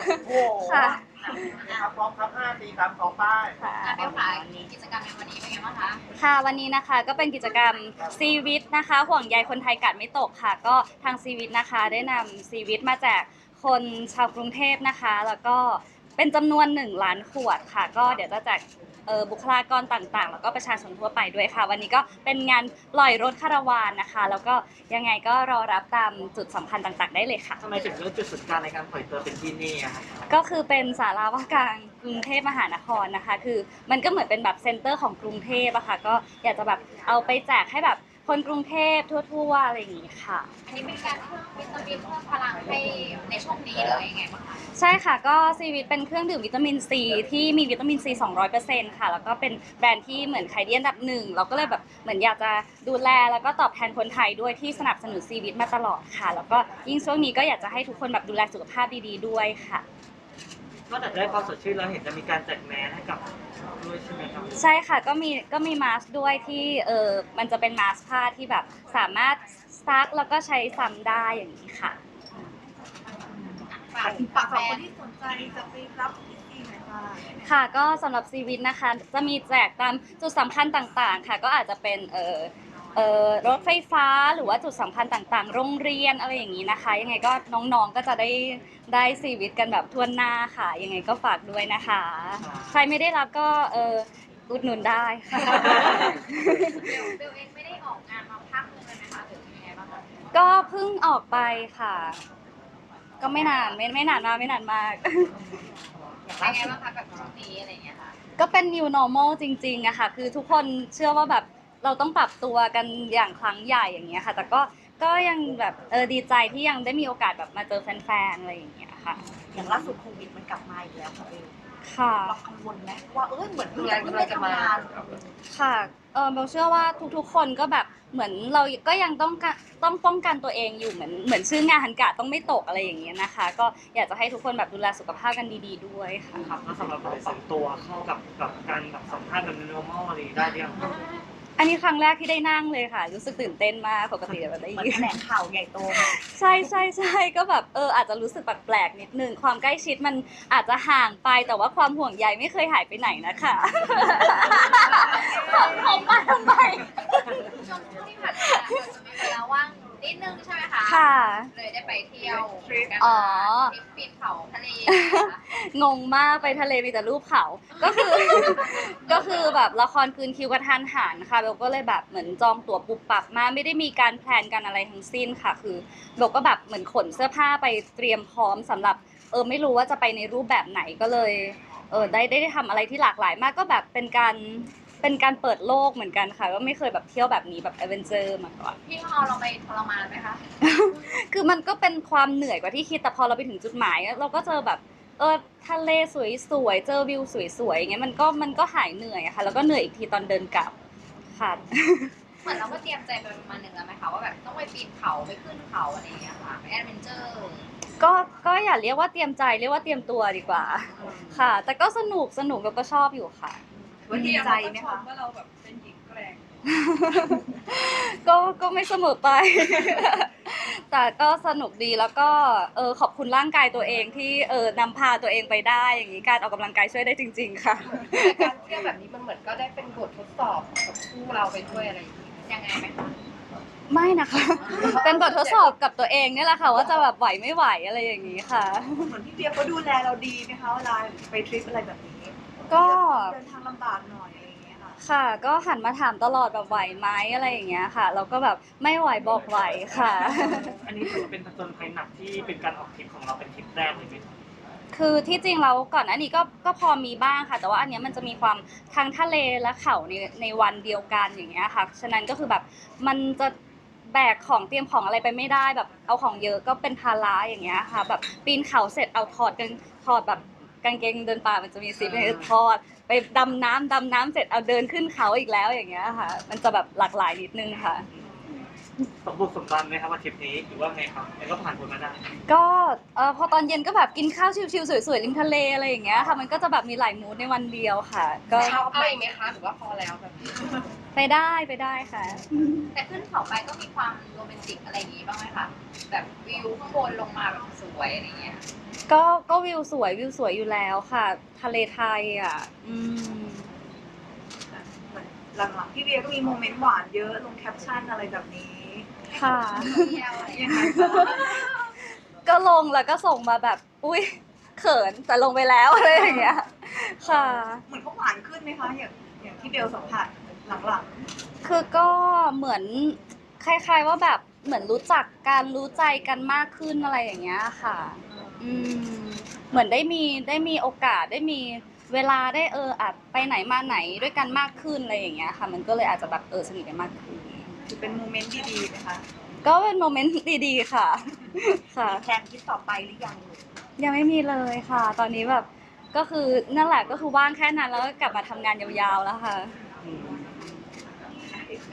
โอ้โหค่ะครับพร้อมครับ5 4 3 2ป้ายค่ะเบลค่ะกิจกรรมในวันนี้เป็นไงบ้างคะค่ะวันนี้นะคะก็เป็นกิจกรรมซีวิตนะคะห่วงใยคนไทยกาดไม่ตกค่ะก็ทางซีวิตนะคะได้นำซีวิตมาแจกคนชาวกรุงเทพนะคะแล้วก็เป็นจำนวน1 ล้านขวดค่ะก็เดี๋ยวจะแจกบุคลากรต่างๆแล้วก็ประชาชนทั่วไปด้วยค่ะวันนี้ก็เป็นงานปล่อยรถคาราวานนะคะแล้วก็ยังไงก็รอรับตามจุดสำคัญต่างๆได้เลยค่ะทำไมถึงเลือกจุดศูนย์กลางในการปล่อยตัวเป็นที่นี่อะครับก็คือเป็นศาลาว่าการกรุงเทพมหานครนะคะคือมันก็เหมือนเป็นแบบเซ็นเตอร์ของกรุงเทพอะค่ะก็อยากจะแบบเอาไปแจกให้แบบคนกรุงเทพทั่วๆอะไรอย่างงี้ค่ะอันนี้เป็นการเพิ่มวิตามินเพิ่มพลังให้ในช่วงนี้เลยยังไงบ้างคะใช่ค่ะก็ซีวิตเป็นเครื่องดื่มวิตามินซีที่มีวิตามินซี200%ค่ะแล้วก็เป็นแบรนด์ที่เหมือนขายดีอันดับหนึ่งเราก็เลยแบบเหมือนอยากจะดูแลแล้วก็ตอบแทนคนไทยด้วยที่สนับสนุนซีวิตมาตลอดค่ะแล้วก็ยิ่งช่วงนี้ก็อยากจะให้ทุกคนแบบดูแลสุขภาพดีๆด้วยค่ะนอกจากได้ความสดชื่นแล้วเห็นจะมีการแจกแมสให้กับด้วยใช่ไหมครับใช่ค่ะก็มีมาสก์ด้วยที่มันจะเป็นมาสก์ผ้าที่แบบสามารถซักแล้วก็ใช้ซ้ำได้อย่างนี้ค่ะฝากแฟสำหรับคนนที่สนใจจะไปรับที่ไหนคะค่ะก็สำหรับซีวิตนะคะจะมีแจกตามจุดสำคัญต่างๆค่ะก็อาจจะเป็นรถไฟฟ้าหรือว่าจุดสำคัญต่างๆโรงเรียนอะไรอย่างนี้นะคะยังไงก็น้องๆก็จะได้ซีวิตกันแบบทั่วหน้าค่ะยังไงก็ฝากด้วยนะคะใครไม่ได้รับก็อุดหนุนได้ค่ะเบลเองไม่ได้ออกงานมาพักนึงเลยไหมคะหรือยังไงบ้างคะก็เพิ่งออกไปค่ะ ก็ไม่นานไม่นานมากไม่นานมากเป็นไงบ้างคะกับช่วงนี้อะไรอย่างเงี้ยค่ะก็เป็น new normal จริงๆอะค่ะคือทุกคนเชื่อว่าแบบเราต้องปรับตัวกันอย่างครั้งใหญ่อย่างเงี้ยค่ะแต่ก็ยังแบบดีใจที่ยังได้มีโอกาสแบบมาเจอแฟนๆอะไรอย่างเงี้ยค่ะอย่างล่าสุดโควิดมันกลับมาอีกแล้วค่ะเบลค่ะเรากังวลไหมว่าเหมือนเราไม่ได้ทำงานค่ะเบลเชื่อว่าทุกๆคนก็แบบเหมือนเราก็ยังต้องป้องกันตัวเองอยู่เหมือนชื่องานกะต้องไม่ตกอะไรอย่างเงี้ยนะคะ ก็อยากจะให้ทุกคนแบบดูแลสุขภาพกันดีๆด้วยค่ะครับแล้วสำหรับเราปรับตัวเข้ากับการแบบสัมภาษณ์แบบ normal อะไรได้หรือยังอันนี้ครั้งแรกที่ได้นั่งเลยค่ะ รู้สึกตื่นเต้นมากปกติแบบได้เหมือนยืนแถลงข่าวใหญ่โตมากใช่ก็แบบอาจจะรู้สึกแปลกๆนิดนึงความใกล้ชิดมันอาจจะห่างไปแต่ว่าความห่วงใยไม่เคยหายไปไหนนะคะผมมาทำไมช่วงที่ผ่านมาเราจะมีเวลาว่างนิดนึงใช่ไหมคะค่ะเลยได้ไปเที่ยวกันอ๋อทริปปีนเขาทะเลนะคะงงมากไปทะเลมีแต่รูปเขาก็คือ ก็คือแบบละครคืนคิวกระทันหันค่ะเบลก็เลยแบบเหมือนจองตั๋วปุบปับมาไม่ได้มีการแพลนกันอะไรทั้งสิ้นค่ะคือเบลก็แบบเหมือนขนเสื้อผ้าไปเตรียมพร้อมสำหรับไม่รู้ว่าจะไปในรูปแบบไหนก็เลยได้ทำอะไรที่หลากหลายมากก็แบบเป็นการเปิดโลกเหมือนกันค่ะก็ไม่เคยแบบเที่ยวแบบนี้แบบแอดเวนเจอร์มาก่อนพี่เขาเอาเราไปทรมานไหมคะคือมันก็เป็นความเหนื่อยกว่าที่คิดแต่พอเราไปถึงจุดหมายเราก็เจอแบบทะเลสวยๆเจอวิวสวยๆอย่างเงี้ยมันก็หายเหนื่อยอะค่ะแล้วก็เหนื่อยอีกทีตอนเดินกลับค่ะเหมือนเราก็เตรียมใจไปประมาณหนึ่งแล้วไหมคะว่าแบบต้องไปปีนเขาไปขึ้นเขาอะไรอย่างเงี้ยค่ะไปแอดเวนเจอร์ก็อย่าเรียกว่าเตรียมใจเรียกว่าเตรียมตัวดีกว่าค่ะ แต่ก็สนุกแล้วก็ชอบอยู่ค่ะวันดีใจไหมคะว่าเราแบบเป็นหญิงแกร่งก็ไม่เสมอไป แต่ก็สนุกดีแล้วก็ขอบคุณร่างกายตัวเองที่นำพาตัวเองไปได้อย่างนี้การออกกำลังกายช่วยได้จริง ๆ ค่ะการเที่ยวแบบนี้มันเหมือนก็ได้เป็นบททดสอบกับคู่เราไปด้วยอะไรอย่างนี้ยังไงไหมคะไม่นะคะ เป็นบททดสอบกับตัวเองเนี่ยแหละค่ะว่าจะแบบไหวไม่ไหวอะไรอย่างนี้ค่ะเหมือนพี่เบียร์เขาดูแลเราดีไหมคะเวลาไปทริปอะไรแบบนี้ก็เดินทางลำบากหน่อยอะไรอย่างเงี้ยค่ะค่ะก็หันมาถามตลอดแบบไหวไหมอะไรอย่างเงี้ยค่ะเราก็แบบไม่ไหวบอกไหวค่ะอันนี้ถือว่าเป็นผจญภัยหนักที่เป็นการออกทริปของเราเป็นทริปแรกเลยไหมครับคือที่จริงแล้วก่อนหน้านี้ก็พอมีบ้างค่ะ แต่ว่าอันเนี้ยมันจะมีความทั้งทะเลและเขาในวันเดียวกันอย่างเงี้ยค่ะฉะนั้นก็คือแบบมันจะแบกของเตรียมของอะไรไปไม่ได้แบบเอาของเยอะก็เป็นภาระอย่างเงี้ยค่ะแบบปีนเขาเสร็จเอาถอดแบบกางเกงเดินป่ามันจะมีซิปให้ถอดไปดำน้ำเสร็จเอาเดินขึ้นเขาอีกแล้วอย่างเงี้ยค่ะ มันจะแบบหลากหลายนิดนึงค่ะสมบุกสมบันไหมครับว่าทริปนี้หรือว่าไงครับแล้วก็ผ่านพ้นมาได้ก็พอตอนเย็นก็แบบกินข้าวชิลๆสวยๆริมทะเลอะไรอย่างเงี้ยค่ะมันก็จะแบบมีหลายมูดในวันเดียวค่ะ ก็เอาอีกไหมคะหรือว่าพอแล้วแบบนี้ไปได้ค่ะแต่ขึ้นเขาไปก็มีความโรแมนติกอะไรอย่างงี้บ้างไหมคะแบบวิวข้างบนลงมาแบบสวยอะไรเงี้ยก็วิวสวยอยู่แล้วค่ะ ทะเลไทยอ่ะเหมือนหลังๆพี่เวียก็มีโมเมนต์หวานเยอะลงแคปชั่นอะไรแบบนี้ค่ะเที่ยวอะไรอย่างยังเงี้ยไงคะก็ลงแล้วก็ส่งมาแบบอุ้ยเขินแต่ลงไปแล้วอะไรอย่างเงี้ยค่ะเหมือนเขาหวานขึ้นไหมคะอย่างที่เบลสัมผัสหลังคือก็เหมือนคล้ายๆว่าแบบเหมือนรู้จักกันรู้ใจกันมากขึ้นอะไรอย่างเงี้ยค่ะ อืมเหมือนได้มีโอกาสได้มีเวลาได้อาจไปไหนมาไหนด้วยกันมากขึ้นอะไรอย่างเงี้ยค่ะ มันก็เลยอาจจะแบบสนิทกันมากขึ้นๆถือเป็นโมเมนต์ดีๆนะคะก็เป็นโมเมนต์ดีๆค่ะ ค่ะแพลนทริปต่อไปหรือยังยังไม่มีเลยค่ะ ตอนนี้แบบก็คือนั่นแหละก็คือว่างแค่นั้นแล้วก็กลับมาทำงานยาวๆแล้วค่ะแม่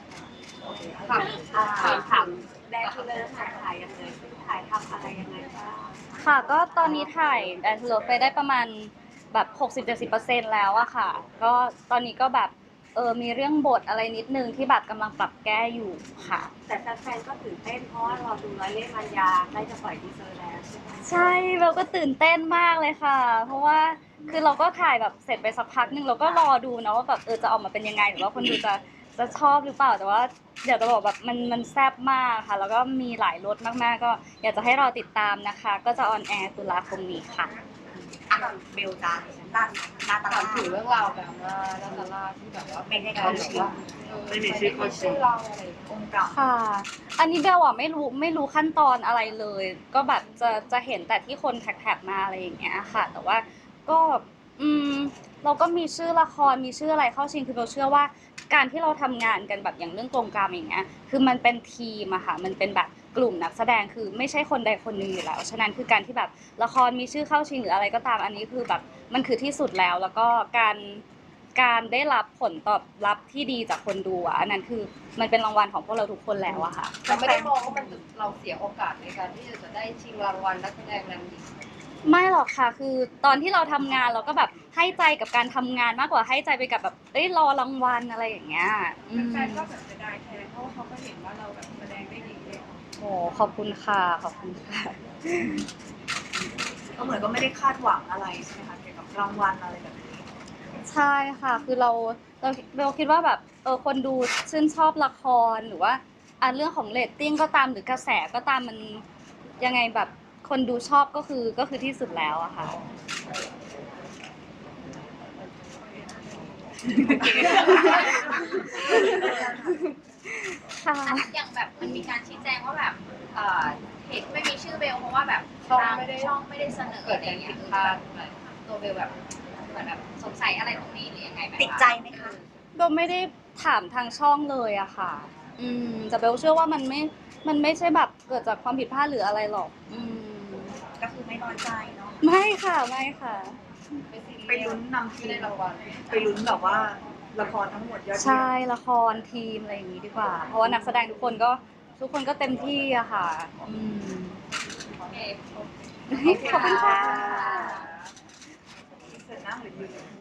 ถามแดนทูเลอร์ถ่ายยังไงถ่ายทำอะไรยังไงบ้างค่ะก็ตอนนี้ถ่ายแดนซ์เลิฟไปได้ประมาณแบบ60-70%แล้วอะค่ะ ก็ตอนนี้ก็แบบมีเรื่องบทอะไรนิดนึงที่แบบกำลังปรับแก้อยู่ค่ะแต่แฟนๆก็ตื่นเต้นเพราะว่าเราดูร้อยเล่ห์มันยาใกล้จะปล่อยทีเซอร์แล้วใช่ไหมใช่เราก็ตื่นเต้นมากเลยค่ะ เพราะว่าคือเราก็ถ่ายแบบเสร็จไปสักพักหนึ่งเราก็รอดูนะว่าแบบจะออกมาเป็นยังไงหรือว่าคนดูจะชอบหรือเปล่าแต่ว่าเดี๋ยวจะบอกแบบมันแซ่บมากค่ะ แล้วก็มีหลายรสมากๆก็อยากจะให้รอติดตามนะคะ ก็จะออนแอร์ตุลาคมนี้ค่ะเบลจานด้านหน้าตถามลาถึงเรื่องราวแบบว่าลาซาร่าที่แบบว่าไม่ได้เข้าชิงไม่มีชื่อเข้าชิงเราอะไรอย่างเงี้ยองค์เก่าค่ะ อันนี้เบลอะไม่รู้ขั้นตอนอะไรเลย ก็แบบจะเห็นแต่ที่คนแท็กมาอะไรอย่างเงี้ยค่ะ แต่ว่าก็เราก็มีชื่อละครมีชื่ออะไรเข้าชิงคือเบลเชื่อว่าการที่เราทำงานกันแบบอย่างเรื่องกรงกรรมอย่างเงี้ยคือมันเป็นทีมอะค่ะมันเป็นแบบกลุ่มนักแสดงคือไม่ใช่คนใดคนหนึ่งอยู่แล้วฉะนั้นคือการที่แบบละครมีชื่อเข้าชิงหรืออะไรก็ตามอันนี้คือแบบมันคือที่สุดแล้วแล้วก็การได้รับผลตอบรับที่ดีจากคนดูอ่ะอันนั้นคือมันเป็นรางวัลของพวกเราทุกคนแล้วอะค่ะเราไม่ได้มองว่ามันเราเสียโอกาสในการที่จะได้ชิงรางวัลนักแสดงนำหญิงไม่หรอกค่ะคือตอนที่เราทำงานเราก็แบบให้ใจกับการทำงานมากกว่าให้ใจไปกับแบบรอรางวัลอะไรอย่างเงี้ยแฟนก็แบบจะได้แทนเพราะว่าเขาก็เห็นว่าเราแบบแสดงได้ดีเลยโอ้ขอบคุณค่ะขอบคุณค่ะก็เหมือนก็ไม่ได้คาดหวังอะไรใช่ไหมคะเกี่ยวกับรางวัลอะไรแบบนี้ใช่ค่ะคือเราคิดว่าแบบคนดูชื่นชอบละครหรือว่าเรื่องของเรตติ้งก็ตามหรือกระแสก็ตามมันยังไงแบบคนดูชอบก็คือที่สุดแล้วอะค่ะค่ะอย่างแบบมันมีการชี้แจงว่าแบบเหตุที่ไม่มีชื่อเบลเพราะว่าแบบช่องทางไม่ได้ช่องไม่ได้เสนอเกิดอะไรการเงี้ผิยดพลาดตัวเบลแบบเหมือนแบบสงสัยอะไรตรงนี้หรือยังไงไหมคะติดใจไหมคะเบลไม่ได้ถามทางช่องเลยอะค่ะ แต่เบลเชื่อว่ามันไม่ใช่แบบเกิดจากความผิดพลาดหรืออะไรหรอกก็คือไม่น้อยใจเนาะไม่ค่ะไม่ค่ะไปลุ้นนำทีไม่ได้มรางวัลไปลุ้นแบบว่าละครทั้งหมดยอดเยี่ยมใช่ละครทีมอะไรอย่างนี้ดีกว่า เพราะว่านักแสดงทุกคนก็เต็มที่อะค่ะโอเคขอบคุณค่ะเสร็จนั่งหรือยืน